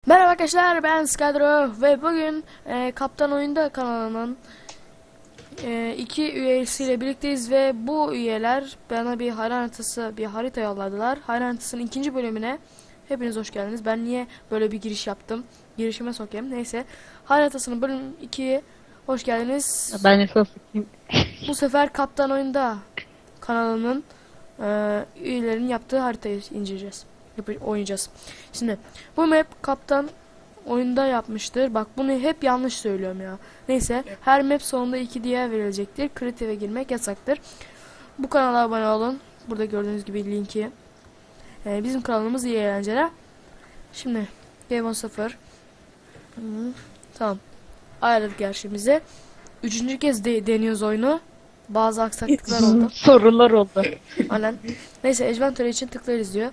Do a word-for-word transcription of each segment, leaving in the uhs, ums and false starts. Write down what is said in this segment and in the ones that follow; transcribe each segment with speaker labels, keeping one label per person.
Speaker 1: Merhaba arkadaşlar, ben Skadro ve bugün e, Kaptan Oyunda kanalının e, iki üyesiyle birlikteyiz ve bu üyeler bana bir harita haritası, bir harita yolladılar. Harita haritasının ikinci bölümüne hepiniz hoş geldiniz. Ben niye böyle bir giriş yaptım? Girişime sokayım. Neyse. Harita haritasının bölüm ikiye hoş geldiniz.
Speaker 2: Ben esas kim?
Speaker 1: Bu sefer Kaptan Oyunda kanalının e, üyelerinin yaptığı haritayı inceleyeceğiz. Yap- oynayacağız. Şimdi bu map Kaptan Oyunda yapmıştır. Bak bunu hep yanlış söylüyorum ya. Neyse, her map sonunda iki diye verilecektir. Kreatif'e girmek yasaktır. Bu kanala abone olun. Burada gördüğünüz gibi linki. E, bizim kanalımız iyi eğlenceler. Şimdi Game on sıfır. Hı, tamam. Ayarladık gerçimizi. Üçüncü kez de deniyoruz oyunu. Bazı aksaklıklar oldu.
Speaker 2: Sorular oldu.
Speaker 1: Aynen. Neyse, Adventure için tıklarız diyor.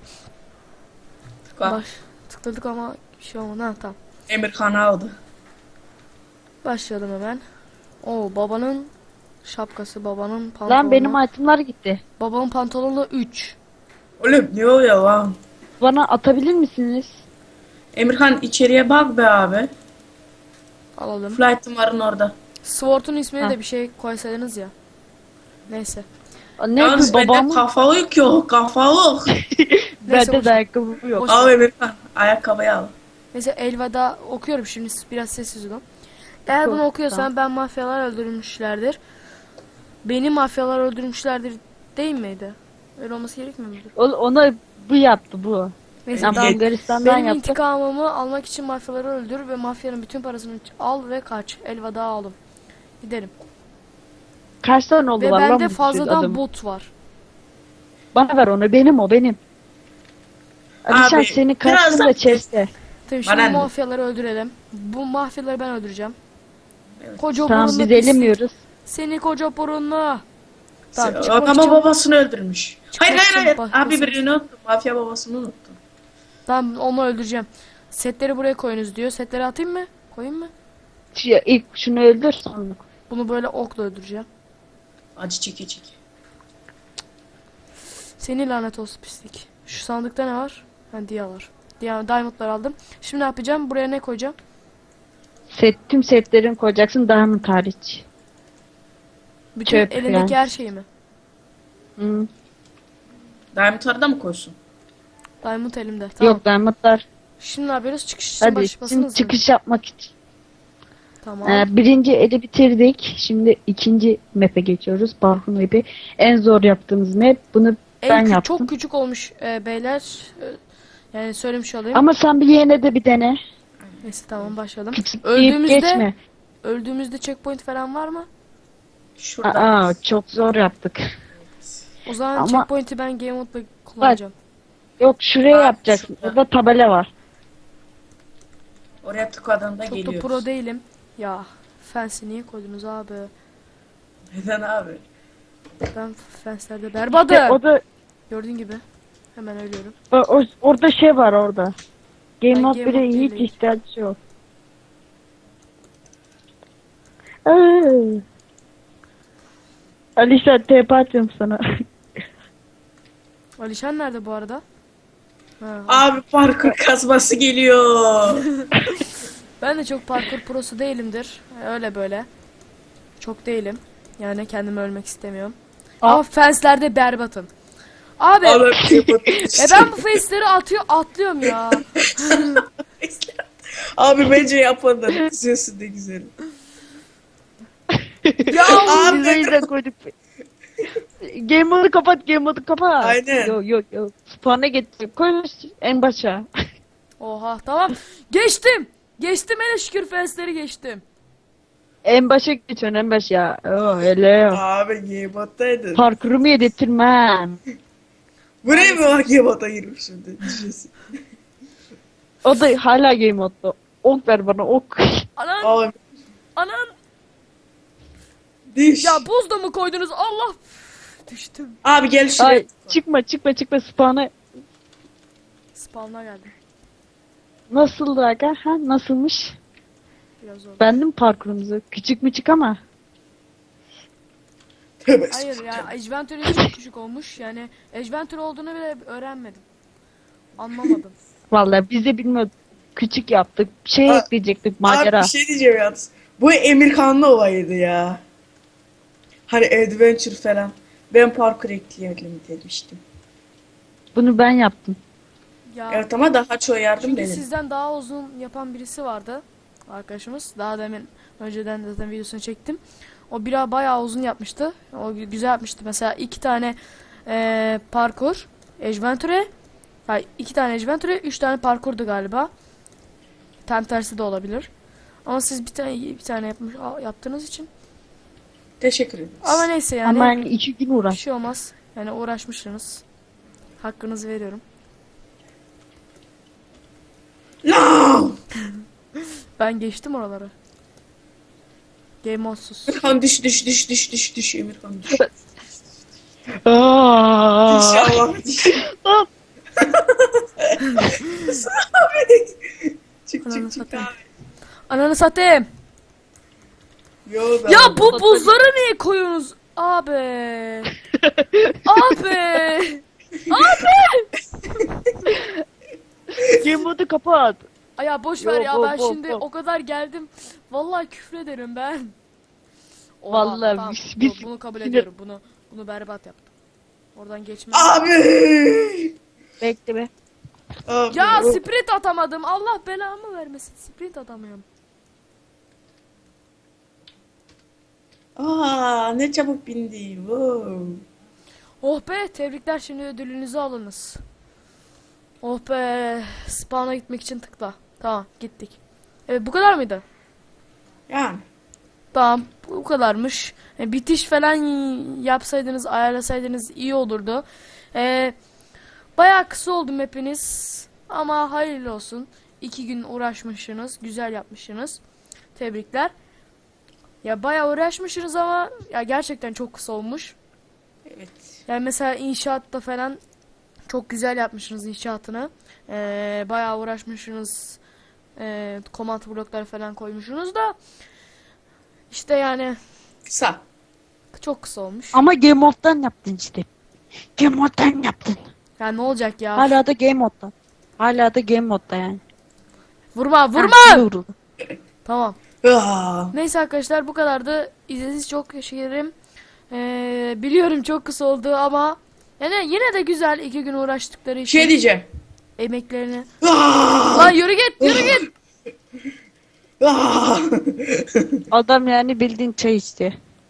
Speaker 1: Baş, tıkladık ama bir şey olmadı. Ha, tamam.
Speaker 3: Emirhan aldı.
Speaker 1: Başlayalım hemen. Oo, babanın şapkası, babanın pantolonu.
Speaker 2: Lan benim itemlar gitti.
Speaker 1: Babanın pantolonu üç.
Speaker 3: Oğlum ne oluyor lan?
Speaker 2: Bana atabilir misiniz?
Speaker 3: Emirhan içeriye bak be abi.
Speaker 1: Alalım.
Speaker 3: Flight'ın varın orada.
Speaker 1: Sword'un ismini
Speaker 2: Ha.
Speaker 1: de bir şey koysaydınız ya. Neyse.
Speaker 2: Ne
Speaker 3: Yalnız
Speaker 2: bu
Speaker 3: bende
Speaker 2: babamın?
Speaker 3: kafalık yok kafalık.
Speaker 1: Neyse,
Speaker 2: Bende
Speaker 1: boş-
Speaker 2: de ayakkabı yok.
Speaker 1: boş-
Speaker 3: Al Emirhan ayakkabıyı al.
Speaker 1: Neyse, Elva'da okuyorum şimdi, biraz sessiz olun. Eğer bunu
Speaker 2: Oku,
Speaker 1: okuyorsan
Speaker 2: tamam.
Speaker 1: ben mafyalar öldürmüşlerdir. Beni mafyalar öldürmüşlerdir değil miydi? Öyle olması gerekmiyor mudur?
Speaker 2: O, ona bu yaptı bu.
Speaker 1: Neyse,
Speaker 2: Yani
Speaker 1: tamam.
Speaker 2: Bulgaristan'dan
Speaker 1: Benim
Speaker 2: yaptı.
Speaker 1: intikamımı almak için mafyaları öldür ve mafyanın bütün parasını al ve kaç. Elveda alım. Gidelim.
Speaker 2: Kaç tane oldu
Speaker 1: Ve
Speaker 2: var lan
Speaker 1: bende
Speaker 2: bu
Speaker 1: fazladan
Speaker 2: adamın?
Speaker 1: bot var.
Speaker 2: Bana ver onu, benim o benim. Alişan
Speaker 3: Abi,
Speaker 2: senin
Speaker 3: biraz
Speaker 2: karşında
Speaker 3: da-
Speaker 2: chest'te.
Speaker 1: Tabii şimdi
Speaker 3: Bana ne?
Speaker 1: mafyaları öldürelim. Bu mafyaları ben öldüreceğim.
Speaker 3: Evet.
Speaker 1: Koca
Speaker 2: Tamam
Speaker 1: burunlu
Speaker 2: biz
Speaker 1: pislik.
Speaker 2: elemiyoruz.
Speaker 1: Seni koca burunlu. Tamam,
Speaker 3: Sen-
Speaker 1: çıkmak
Speaker 3: Ama
Speaker 1: için-
Speaker 3: babasını öldürmüş. Hayır
Speaker 1: Çıkmak
Speaker 3: hayır
Speaker 1: için
Speaker 3: hayır.
Speaker 1: bak-
Speaker 3: Abi birini unuttum. Mafya babasını unuttum.
Speaker 1: Ben onu öldüreceğim. Setleri buraya koyunuz diyor. Setleri atayım mı? Koyayım mı?
Speaker 2: Şu, ilk şunu öldür sonra.
Speaker 1: Bunu böyle okla öldüreceğim.
Speaker 3: Acı çeke çeke.
Speaker 1: Seni lanet olsun pislik. Şu sandıkta ne var? Ha, diya var. Diya, diamondlar aldım. Şimdi ne yapacağım? Buraya ne koyacağım?
Speaker 2: Set, tüm setlerini koyacaksın diamond hariç.
Speaker 1: Bütün
Speaker 2: Çöp
Speaker 1: elindeki
Speaker 2: yani.
Speaker 1: her şeyi mi?
Speaker 2: Hı.
Speaker 3: Diamond arada mı koysun?
Speaker 1: Diamond elimde. Tamam.
Speaker 2: Yok diamondlar.
Speaker 1: Şimdi ne yapıyoruz? Çıkış için
Speaker 2: Hadi
Speaker 1: başlasınız
Speaker 2: şimdi
Speaker 1: mı?
Speaker 2: çıkış yapmak için.
Speaker 1: Tamam.
Speaker 2: Ee, birinci eli bitirdik. Şimdi ikinci map'e geçiyoruz. Parkur map'i. En zor yaptığımız map. Bunu
Speaker 1: En
Speaker 2: ben
Speaker 1: kü-
Speaker 2: yaptım.
Speaker 1: çok küçük olmuş e, beyler. E, yani söylemiş olayım.
Speaker 2: Ama sen bir yine de bir dene.
Speaker 1: Neyse, tamam, başlayalım.
Speaker 2: Küçük deyip
Speaker 1: Öldüğümüzde
Speaker 2: geçme.
Speaker 1: öldüğümüzde checkpoint falan var mı?
Speaker 3: Şurada.
Speaker 2: Aa, çok zor yaptık.
Speaker 1: O zaman
Speaker 2: Ama-
Speaker 1: checkpoint'i ben game mode'la kullanacağım.
Speaker 2: Yok şuraya
Speaker 3: Aa,
Speaker 2: yapacaksın.
Speaker 3: şurada.
Speaker 2: Orada tabela var.
Speaker 3: Oraya tıkladığında
Speaker 1: Çok da
Speaker 3: geliyoruz.
Speaker 1: pro değilim. Ya fence'i niye koydunuz abi?
Speaker 3: Neden abi?
Speaker 1: Ben fence'lerde berbatım.
Speaker 2: İşte o da
Speaker 1: Gördüğün gibi. Hemen ölüyorum.
Speaker 2: o, o- orada şey var orada. Game
Speaker 1: Ben
Speaker 2: Mode
Speaker 1: Game
Speaker 2: bire
Speaker 1: Mode
Speaker 2: hiç
Speaker 1: değilim.
Speaker 2: ihtiyacı yok. Ay. Alişan T P atıyorum sana.
Speaker 1: Alişan nerede bu arada? Ha,
Speaker 3: Abi parkur kasması geliyor.
Speaker 1: ben de çok parkur prosu değilimdir. Öyle böyle. Çok değilim. Yani kendimi ölmek istemiyorum.
Speaker 2: Aa.
Speaker 1: Ama fence'lerde berbatım. Abi
Speaker 3: Abi,
Speaker 1: e ben bu face'leri atıyor atlıyorum ya.
Speaker 3: Abi bence yapmadan izliyorsun ne güzel.
Speaker 1: Ya
Speaker 3: Abi.
Speaker 2: Biz de koyduk. Game mode'u kapat, game mode'u kapat.
Speaker 3: Aynen.
Speaker 2: Yok yok yok. Spawn'a getir. Koy en başa.
Speaker 1: Oha, tamam. Geçtim. Geçtim, hele şükür fence'leri geçtim.
Speaker 2: En başa geçiyorsun en başa. Oh hele.
Speaker 3: Abi Gamebot'taydın.
Speaker 2: Parkurumu yedirtmem.
Speaker 3: Buraya mı bak Gamebot'a girmiş şimdi? Düşesin.
Speaker 2: O da hala game mode'da. Ok ver bana ok.
Speaker 1: Anan
Speaker 3: Abi
Speaker 1: anan.
Speaker 3: düş.
Speaker 1: Ya buz da mı koydunuz? Allah. Düştüm.
Speaker 3: Abi gel şuraya.
Speaker 2: Ay çıkma çıkma çıkma spawn'a.
Speaker 1: Spawn'a geldim.
Speaker 2: Nasıldı aga? Ha nasılmış?
Speaker 1: Biraz zor.
Speaker 2: Bendim parkurumuzu. Küçük müçük ama.
Speaker 3: Tövbe
Speaker 1: Hayır ya, Adventure çok küçük olmuş. Yani Adventure olduğunu bile öğrenmedim. Anlamadım.
Speaker 2: Vallahi biz de bilmiyorduk. küçük yaptık. Bir şey
Speaker 3: Aa,
Speaker 2: ekleyecektik macera.
Speaker 3: Abi bir şey diyeceğim yalnız. Bu Emirkanlı olayıydı ya. Hani adventure falan. Ben parkur ekleyelim demiştim.
Speaker 2: Bunu ben yaptım.
Speaker 1: Ya
Speaker 3: Evet ama daha çok yardım
Speaker 1: çünkü
Speaker 3: benim.
Speaker 1: sizden daha uzun yapan birisi vardı. Arkadaşımız. Daha demin önceden zaten videosunu çektim. O bira bayağı uzun yapmıştı. O gü- güzel yapmıştı. Mesela iki tane eee, parkur. Adventure. Hayır, iki tane Adventure, üç tane parkurdu galiba. Tam tersi de olabilir. Ama siz bir tane bir tane yapmış a- yaptığınız için.
Speaker 3: Teşekkür ederiz.
Speaker 1: Ama neyse yani.
Speaker 2: Ama yani iki gün
Speaker 1: Bir
Speaker 2: uğraş.
Speaker 1: şey olmaz. Yani uğraşmışsınız. Hakkınızı veriyorum.
Speaker 3: No!
Speaker 1: Ben geçtim oraları. Game modsuz.
Speaker 3: Emirkan düş düş düş düş düş düş Emirkan düş.
Speaker 2: Aa!
Speaker 3: İnşallah düş.
Speaker 2: Hop.
Speaker 3: Abi. Çık
Speaker 1: Ananı
Speaker 3: çık çık
Speaker 1: satayım.
Speaker 3: abi.
Speaker 1: Ananı satayım.
Speaker 3: Yo, ben
Speaker 1: Ya
Speaker 3: abi.
Speaker 1: bu buzları niye koyuyorsunuz? Abi. Abi.
Speaker 2: Game modu kapat.
Speaker 1: Ay ya boş ver
Speaker 2: Yo,
Speaker 1: ya
Speaker 2: bo-
Speaker 1: ben
Speaker 2: bo-
Speaker 1: şimdi
Speaker 2: bo.
Speaker 1: o kadar geldim. Vallahi küfrederim ben. Oha,
Speaker 2: Vallahi
Speaker 1: tamam,
Speaker 2: biz-
Speaker 1: bu-
Speaker 2: biz-
Speaker 1: bunu kabul
Speaker 2: sinir-
Speaker 1: ediyorum. Bunu bunu berbat yaptım. Oradan geçmem.
Speaker 3: Abi.
Speaker 2: Bekle be.
Speaker 3: Abi.
Speaker 1: Ya
Speaker 3: o-
Speaker 1: sprint atamadım. Allah belamı vermesin. Sprint atamıyorum.
Speaker 3: Aa ne çabuk bindi. Wow.
Speaker 1: Oh be, tebrikler, şimdi ödülünüzü alınız. Oh be, spawn'a gitmek için tıkla. Tamam, gittik. Evet, bu kadar mıydı?
Speaker 3: Yani.
Speaker 1: Tamam, bu kadarmış. E, bitiş falan yapsaydınız, ayarlasaydınız iyi olurdu. E, bayağı kısa oldu hepiniz. Ama hayırlı olsun. İki gün uğraşmışsınız, güzel yapmışsınız. Tebrikler. Ya bayağı uğraşmışsınız ama ya gerçekten çok kısa olmuş.
Speaker 3: Evet.
Speaker 1: Yani mesela inşaatta falan çok güzel yapmışsınız inşaatını. Ee, bayağı uğraşmışsınız. Ee, komut blokları falan koymuşsunuz da işte yani
Speaker 3: Kısa.
Speaker 1: çok kısa olmuş.
Speaker 2: Ama Game moddan yaptın işte. Game moddan yaptın.
Speaker 1: Ya ne olacak ya?
Speaker 2: Hala da Game moddan. Hala da Game modda yani.
Speaker 1: Vurma,
Speaker 2: Ha,
Speaker 1: vurma.
Speaker 2: şimdi vuruldu.
Speaker 1: Tamam.
Speaker 3: Aa.
Speaker 1: Neyse arkadaşlar, bu kadardı. İzlediğiniz çok teşekkür ederim. Ee, biliyorum çok kısa oldu ama yani yine de güzel, iki gün uğraştıkları
Speaker 3: Bir
Speaker 1: için
Speaker 3: şey diyeceğim.
Speaker 1: emeklerini.
Speaker 3: Aa.
Speaker 1: Lan yürü git, yürü git.
Speaker 3: Aa.
Speaker 2: Adam yani bildiğin çay istiyor.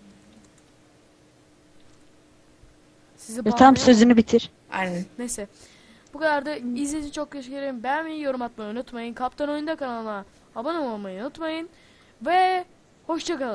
Speaker 1: Sizi
Speaker 2: Ya tam
Speaker 1: bağlayamam.
Speaker 2: sözünü bitir.
Speaker 3: Aynen.
Speaker 1: Neyse. Bu kadar da izlediğiniz için çok teşekkür ederim. Beğenmeyi, yorum atmayı unutmayın. Kaptan Oyunda kanalına abone olmayı unutmayın. Ve hoşçakalın.